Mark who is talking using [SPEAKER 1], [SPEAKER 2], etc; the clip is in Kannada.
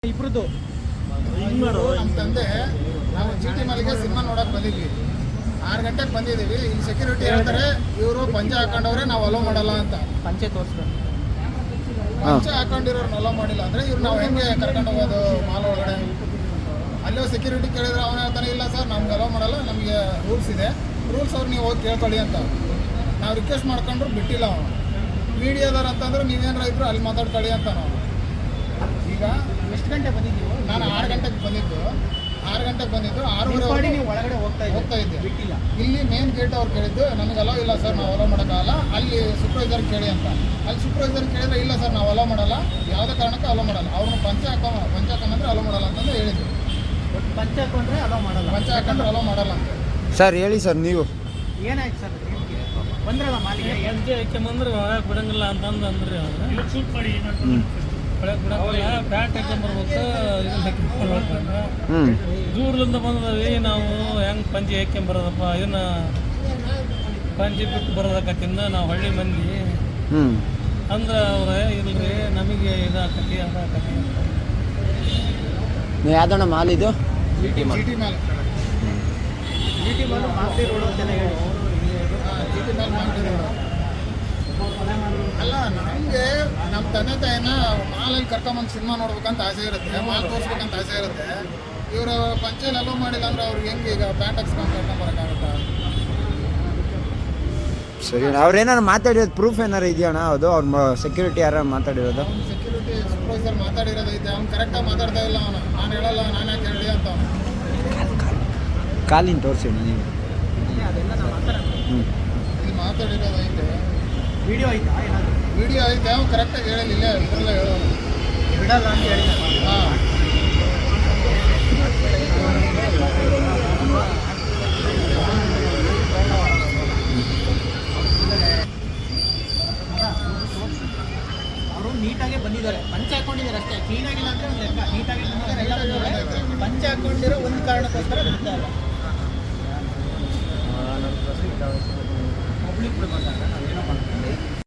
[SPEAKER 1] ಇಬ್ರದ್ದು
[SPEAKER 2] ನಮ್ಮ ತಂದೆ ನಾವು GT ಮಾಲಿಗೆ ಸಿನಿಮಾ ನೋಡಕ್ ಬಂದಿದ್ವಿ. 6 ಗಂಟೆಗೆ ಬಂದಿದ್ದೀವಿ. ಇಲ್ಲಿ ಸೆಕ್ಯೂರಿಟಿ ಹೇಳ್ತಾರೆ ಇವರು ಪಂಚೆ ಹಾಕೊಂಡವ್ರೆ ನಾವು ಅಲೋ ಮಾಡಲ್ಲ ಅಂತ.
[SPEAKER 1] ಪಂಚೆ ತೋರಿಸ್ತಾರೆ.
[SPEAKER 2] ಪಂಚೆ ಹಾಕೊಂಡಿರೋರ್ನ ಅಲೋ ಮಾಡಿಲ್ಲ ಅಂದ್ರೆ ಇವ್ರು ನಾವು ಹೆಂಗೆ ಕರ್ಕೊಂಡು ಹೋಗೋದು ಮಾಲ್ ಒಳಗಡೆ? ಅಲ್ಲೋ ಸೆಕ್ಯೂರಿಟಿ ಕೇಳಿದ್ರೆ ಅವನು ಹೇಳ್ತಾನೆ ಇಲ್ಲ ಸರ್ ನಮ್ಗೆ ಅಲೋ ಮಾಡಲ್ಲ, ನಮಗೆ ರೂಲ್ಸ್ ಇದೆ, ರೂಲ್ಸ್ ಅವ್ರು ನೀವು ಹೋಗಿ ಕೇಳ್ಕೊಳ್ಳಿ ಅಂತ. ನಾವು ರಿಕ್ವೆಸ್ಟ್ ಮಾಡ್ಕೊಂಡ್ರು ಬಿಟ್ಟಿಲ್ಲ ಅವನು. ಮೀಡಿಯಾದವ್ರು ಅಂತಂದ್ರೆ ನೀವೇನಾರ ಇದ್ರು ಅಲ್ಲಿ ಮಾತಾಡ್ಕೊಳ್ಳಿ ಅಂತ ನಾವು. ಈಗ
[SPEAKER 1] ಎಷ್ಟು ಗಂಟೆ ಬಂದಿದ್ದೀವಿ?
[SPEAKER 2] ನಾನು 6 ಗಂಟೆಗೆ ಬಂದಿದ್ದು. 6:30
[SPEAKER 1] ನೀವು ಒಳಗಡೆ ಹೋಗ್ತಾ
[SPEAKER 2] ಇದ್ದೆ.
[SPEAKER 1] ಬಿಟ್ಟಿಲ್ಲ.
[SPEAKER 2] ಇಲ್ಲಿ ಮೇನ್ ಗೇಟ್ ಅವ್ರು ಕೇಳಿದ್ದು ನಮಗೆ ಅಲೋ ಇಲ್ಲ ಸರ್, ನಾವು ಅಲೋ ಮಾಡೋಕ್ಕಾಗಲ್ಲ, ಅಲ್ಲಿ ಸೂಪರ್ವೈಸರ್ ಕೇಳಿ ಅಂತ. ಅಲ್ಲಿ ಸೂಪರ್ವೈಸರ್ ಕೇಳಿದ್ರೆ ಇಲ್ಲ ಸರ್ ನಾವು ಅಲೋ ಮಾಡಲ್ಲ, ಯಾವುದೇ ಕಾರಣಕ್ಕೂ ಅಲೋ ಮಾಡಲ್ಲ, ಅವ್ರನ್ನ ಪಂಚೆ ಹಾಕೊಂಡ್ರೆ ಅಲೋ ಮಾಡಲ್ಲ ಅಂತಂದು ಹೇಳಿದ್ರು.
[SPEAKER 1] ಪಂಚೆ ಹಾಕೊಂಡ್ರೆ ಅಲೋ ಮಾಡಲ್ಲ,
[SPEAKER 2] ಪಂಚೆ ಹಾಕೊಂಡ್ರೆ ಅಲೋ ಮಾಡಲ್ಲ ಅಂತ.
[SPEAKER 3] ಸರ್ ಹೇಳಿ ಸರ್, ನೀವು
[SPEAKER 1] ಏನಾಯ್ತು ಸರ್? ಬಂದ್ರಲ್ಲ ಮಾಲಿಗೆ
[SPEAKER 4] ಪಂಚೆ ಹಾಕ್ಯಂಬಂದ್ರೆ ಒಳಗೆ ಬಿಡಂಗಿಲ್ಲ ಅಂತಂದು ಅಂದ್ರಿ ಅವ್ರು. ಶೂಟ್ ಮಾಡಿ ಒಳಗೆ ಬಿಡಂಗಿಲ್ಲ, ಪ್ಯಾಂಟ್ ಹಾಕ್ಯಂಬರ್ಬೇಕು, ಇದನ್ನ ಹಾಕ್ಯಂಬರ್ಬೇಕು. ದೂರದಿಂದ ಬಂದದವಿ ನಾವು ಹೆಂಗೆ ಪಂಚೆ ಹಾಕ್ಯಂಬರೋದಪ್ಪ, ಇದನ್ನ ಪಂಚೆ ಬಿಟ್ಟು ಬರೋದಕ್ಕತ್ತಿಂದ ನಾವು ಹಳ್ಳಿ ಮಂದಿ ಅಂದ್ರೆ ಅವ್ರೆ ಇಲ್ರಿ ನಮಗೆ ಇದಾಕತಿ ಅದಾಕತಿ ಅಂತ.
[SPEAKER 3] ಯಾವ್ದಣ್ಣ ಮಾಲ್ ಇದು?
[SPEAKER 2] GT mall.
[SPEAKER 1] GT mall Masti road ಅಂತೆಲ್ಲ ಹೇಳಿ.
[SPEAKER 2] GT ಮಾಲ್ ಮಾಡ್ತಿರೋದು ಅಲ್ಲ. ನಮಗೆ ನಮ್ಮ ತಂದೆ ತಾಯಿನ ಮಾಲಲ್ಲಿ ಕರ್ಕೊಂಬಂದು ಸಿನಿಮಾ ನೋಡ್ಬೇಕಂತ ಆಸೆ ಇರುತ್ತೆ, ಮಾಲ್ ತೋರಿಸ್ಬೇಕಂತ ಆಸೆ ಇರುತ್ತೆ. ಇವರು ಪಂಚೆಯಲ್ಲಿ ಅಲೋ ಮಾಡಿಲ್ಲ ಅಂದ್ರೆ ಅವ್ರಿಗೆ ಹೆಂಗೆ ಈಗ ಪ್ಯಾಂಟ್ ಹಾಕ್ಸ್ಕೊಂಡು ಕರ್ಕೊಂಬರೋಕ್ಕಾಗುತ್ತಾ?
[SPEAKER 3] ಸರಿ, ಅವ್ರೇನಾರು ಮಾತಾಡಿರೋದು ಪ್ರೂಫ್ ಏನಾರು ಇದೆಯಣ್ಣ? ಅದು ಅವ್ರ ಸೆಕ್ಯೂರಿಟಿ ಯಾರು ಮಾತಾಡಿರೋದು?
[SPEAKER 2] ಅವ್ನು ಸೆಕ್ಯೂರಿಟಿ ಸೂಪರ್ವೈಸರ್ ಮಾತಾಡಿರೋದೈತೆ, ಅವ್ನು ಕರೆಕ್ಟಾಗಿ ಮಾತಾಡ್ತಾ ಇಲ್ಲ. ಅವನು ನಾನು ಹೇಳಲ್ಲ, ನಾನು ಯಾಕೆ ಹೇಳಿ ಅಂತ ಅವನು.
[SPEAKER 3] ಕಾಲಿನ ತೋರಿಸಿ ನೀವು.
[SPEAKER 1] ಅದೆಲ್ಲ ನಾವು ಮಾತಾಡೋಣ.
[SPEAKER 2] ಇಲ್ಲಿ ಮಾತಾಡಿರೋದೈತೆ,
[SPEAKER 1] ವಿಡಿಯೋ ಆಯ್ತಾ ಏನಾದರೂ?
[SPEAKER 2] ವಿಡಿಯೋ ಐತೆ, ಅವ್ನು ಕರೆಕ್ಟಾಗಿ ಹೇಳಿಲ್ಲ, ಇದರಲ್ಲ ಹೇಳೋನು
[SPEAKER 1] ಬಿಡಲ್ಲ ಅಂತ ಹೇಳಿ.
[SPEAKER 2] ಹಾಂ.
[SPEAKER 1] ಅವರು ನೀಟಾಗೆ ಬಂದಿದ್ದಾರೆ, ಪಂಚೆ ಹಾಕೊಂಡಿದ್ದಾರೆ ಅಷ್ಟೇ, ಕ್ಲೀನಾಗಿಲ್ಲ ಅಂದರೆ ಒಂದು ಲೆಕ್ಕ. ನೀಟಾಗಿ ಬಂದಿದ್ದಾರೆ, ಎಲ್ಲ ಬಂದಿದ್ದಾರೆ. ಪಂಚೆ ಹಾಕೊಂಡಿರೋ ಒಂದು ಕಾರಣಕ್ಕೋಸ್ಕರ ಬಿಡ್ತಾ ಇಲ್ಲ. ಪಬ್ಲಿಕ್ ಬಿಡ್ಬೇಕಂತ